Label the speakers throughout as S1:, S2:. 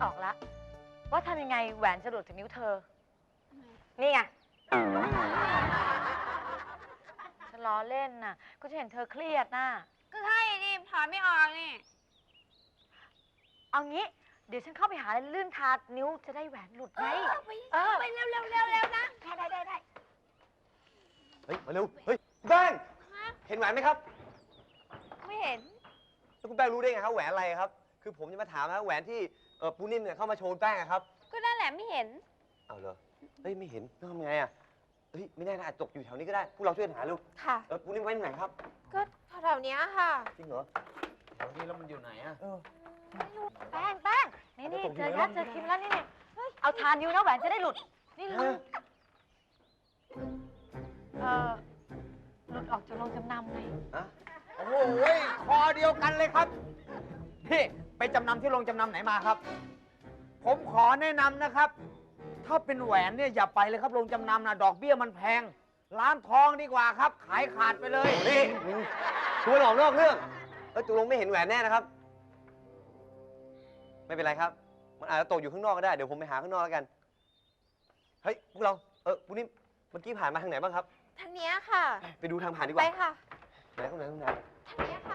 S1: ออกแล้วว่าทำยังไงแหวนจะหลุดจากนิ้วเธอ นี่ไงฉันล้อเล่นน่ะก็จะเห็นเธอเครียดน่ะ
S2: ก็ใช่ดิถอนไม่ออกนี่
S1: เอางี้เดี๋ยวฉันเข้าไปหาลื่นทานิ้วจะได้แหวนหลุดไหม
S2: ไปเร็วนะได้
S3: เฮ้ยมาเร็วเฮ้ยคุณแป้งเห็นแหวนไหมครับ
S2: ไม่เห็น
S3: แล้วคุณแป้งรู้ได้ไงครับแหวนอะไรครับคือผมจะมาถามนะแหวนที่ปูนิ่มเนี่ยเข้ามาโชว์แป้งครับ
S2: ก็นั่นแหละไม่เห็น
S3: เอาเหรอเฮ้ยไม่เห็นต้องทำไงอ่ะเฮ้ยไม่แน่นะอาจตกอยู่แถวนี้ก็ได้พวกเราช่วยหาลูก
S2: ค่ะ
S3: ปูนิ่มไว้ที่ไหนครับ
S2: ก็แถวนี้ค่ะ
S3: จริงเหรอ
S4: แถวนี้แล้วมันอยู่ไหนอ่ะ
S1: แป้งนี่เจอยัดเจอคิมแล้วนี่เอาทานิ้วนะแหวนจะได้หลุดนี่เลยหลุดออกจากโรงจำนำไง
S4: โอ้โหคอเดียวกันเลยครับพี่ไปจำนำที่โรงจำนำไหนมาครับผมขอแนะนำนะครับถ้าเป็นแหวนเนี่ยอย่าไปเลยครับโรงจำนำนะดอกเบี้ยมันแพงร้านทองดีกว่าครับขายขาดไปเลย
S3: นี่ชวนออกนอกเรื่องจุลงไม่เห็นแหวนแน่นะครับไม่เป็นไรครับมันอาจจะตกอยู่ข้างนอกก็ได้เดี๋ยวผมไปหาข้างนอกแล้วกันเฮ้ยพวกเราปูนิ่มเมื่อกี้ผ่านมาทางไหนบ้างครับ
S2: ทางนี้ค่ะ
S3: ไปดูทางผ่านดีกว่า
S2: ไปค่ะ
S3: ไหนตรงไหน
S2: ทางนี้ค่ะ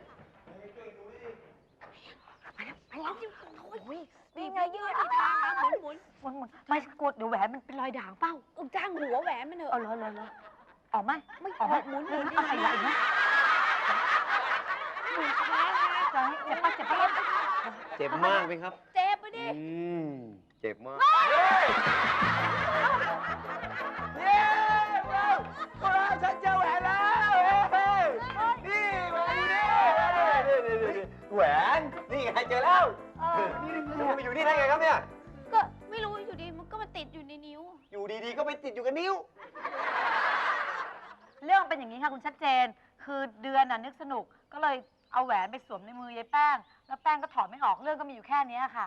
S1: ไปแล้วโอ้ยนี่ไงยืดทางนะหมุนไม่กดเดี๋ยวแหวนมันเป็นรอยด่างเป้า
S2: จ้างหัวแหวนมันเถอะ
S1: เหรอออกไหมไม่ออกหมุนอะไรไหลนะ
S3: เจ็บมากไหมครับ
S2: เจ็บไปดิ
S3: เจ็บมาก
S4: เย้พวกเราฉันเจอแหวนแล้วนี่มาดูดิ
S3: แหวนนี่ไงเจอแล้วนี่มันอยู่นี่ได้ไงครับเนี่ย
S2: ก็ไม่รู้อยู่ดีมันก็มาติดอยู่ในนิ้ว
S3: อยู่ดีๆก็ไปติดอยู่กับนิ้ว
S1: เรื่องเป็นอย่างนี้ค่ะคุณชัดเจนคือเดือนน่ะนึกสนุกก็เลยเอาแหวนไปสวมในมือยายแป้งแล้วแป้งก็ถอดไม่ออกเรื่องก็มีอยู่แค่นี้ค่ะ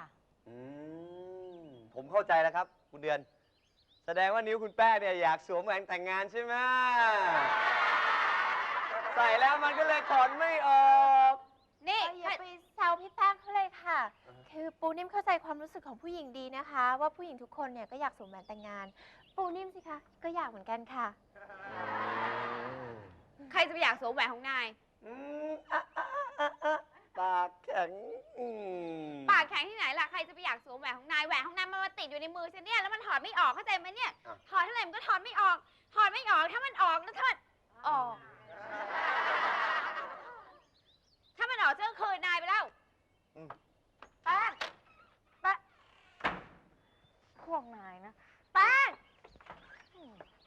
S3: ผมเข้าใจแล้วครับคุณเดือนแสดงว่านิ้วคุณแป้งเนี่ยอยากสวมแหวนแต่งงานใช่ไหมใส่แล้วมันก็เลยถอดไม่ออก
S2: นี่อย่าไปแซวพี่แป้งเขาเลยค่ะคือปูนิ่มเข้าใจความรู้สึกของผู้หญิงดีนะคะว่าผู้หญิงทุกคนเนี่ยก็อยากสวมแหวนแต่งงานปูนิ่มสิคะก็อยากเหมือนกันค่ะใครจะไปอยากสวมแหวนของนาย
S3: ปากแข็ง
S2: ปากแข็งที่ไหนล่ะใครจะไปอยากสวมแหวนของนายแหวนของนายมันมาติดอยู่ในมือฉันเนี่ยแล้วมันถอดไม่ออกเข้าใจไหมเนี่ยถอดเท่าไหร่มันก็ถอดไม่ออกถ้ามันออกแล้วถ้ามันออกจะคืนนายไปแล้ว
S1: แป้งพวกนายนะแป้ง